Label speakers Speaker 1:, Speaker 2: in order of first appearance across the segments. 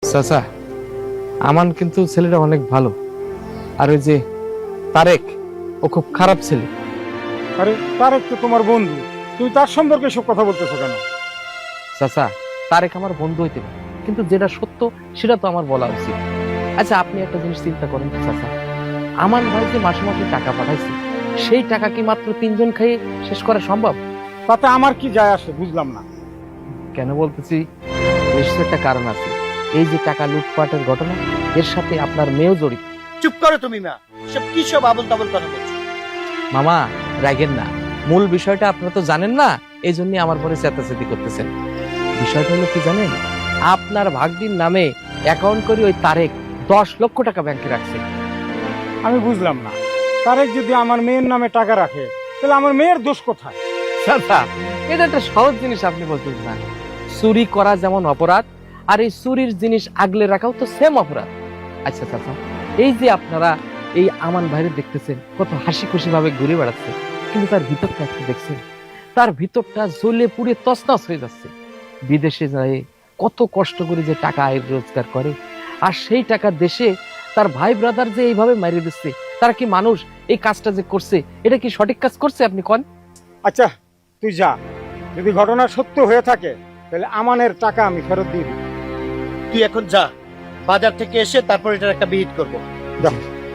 Speaker 1: চাচা, আমান কিন্তু ছেলেটা অনেক ভালো, আর ওই যে তারেক, ও খুব খারাপ ছেলে।
Speaker 2: আরে তারেক তো তোমার বন্ধু, তুমি তার সম্পর্কে সব কথা বলতেছো কেন?
Speaker 1: চাচা, তারেক আমার বন্ধু হইতে পারে, কিন্তু যেটা সত্য সেটা তো আমার বলা উচিত। আচ্ছা, আপনি একটা জিনিস চিন্তা করেন তো চাচা, আমান ভাই যে মাসে মাসে টাকা পাঠাইছে, সেই টাকা কি মাত্র 3 জন খেয়ে শেষ করা সম্ভব?
Speaker 2: তাতে আমার কি যায় আসে বুঝলাম না।
Speaker 1: কেন বলতেছি, নিশ্চয় একটা কারণ আছে। এই যে টাকা লুটপাটের ঘটনা, এর সাথে আপনার মেয়েও জড়িত।
Speaker 3: চুপ করো তুমি মা, সব কি সব আবল তাবল কথা বলছো?
Speaker 1: মামা, রাগেন না, মূল বিষয়টা আপনারা তো জানেন না, এই জন্য আমার পরে চেতাচেতি করতেছেন। বিষয়টা হলো কি জানেন, আপনার ভাগ্নির নামে অ্যাকাউন্ট করে ওই তারেক 10 লক্ষ টাকা ব্যাংকে রাখছে।
Speaker 2: আমি বুঝলাম না, তারেক যদি আমার মেয়ের নামে টাকা রাখে তাহলে আমার মেয়ের দোষ কোথায়?
Speaker 1: চাচা, এটা একটা সহজ জিনিস আপনি বলতেছেন না। চুরি করা যেমন অপরাধ, আর এই চুরির জিনিস আগলে রাখাও তো সেম অপরাধ। আচ্ছা চাচা, এই যে আপনারা এই আমান ভাইরে দেখতেছেন কত হাসি খুশি ভাবে ঘুরে বেড়াচ্ছে, কিন্তু তার ভিতরটা একটু দেখছেন, তার ভিতরটা জ্বলে পুড়ে তছনছ হয়ে যাচ্ছে। বিদেশে যায় কত কষ্ট করে যে টাকা আয় রোজগার করে, আর সেই টাকা দেশে তার ভাই ব্রাদার যে এইভাবে মারিয়ে দিচ্ছে, তারা কি মানুষ? এই কাজটা যে করছে, এটা কি সঠিক কাজ করছে আপনি কোন?
Speaker 2: আচ্ছা তুই যা, যদি ঘটনা সত্য হয়ে থাকে তাহলে আমানের টাকা আমি ফেরত দিয়ে দিই।
Speaker 3: তুই এখন যা, বাজার থেকে এসে তারপর এটার একটা বিহিত করবো।
Speaker 2: যা।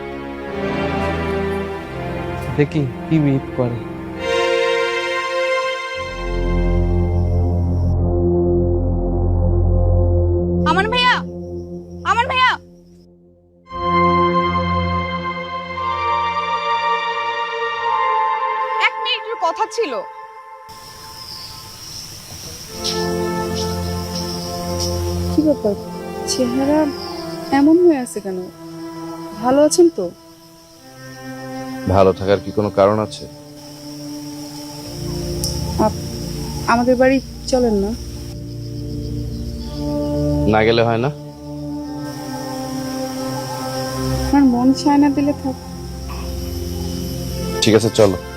Speaker 1: দেখি কি বিহিত করে।
Speaker 4: আমান ভাইয়া, আমান ভাইয়া, এক মিনিটের কথা ছিল।
Speaker 5: কি ব্যাপার, চেহারা এমন হয়ে আছে কেন? ভালো আছেন তো?
Speaker 6: ভালো থাকার কি কোনো কারণ আছে?
Speaker 5: আমাদের বাড়ি চলেন না?
Speaker 6: না গেলে হয় না?
Speaker 5: আমার মন চায় না, দিলে থাক।
Speaker 6: ঠিক আছে, চলো।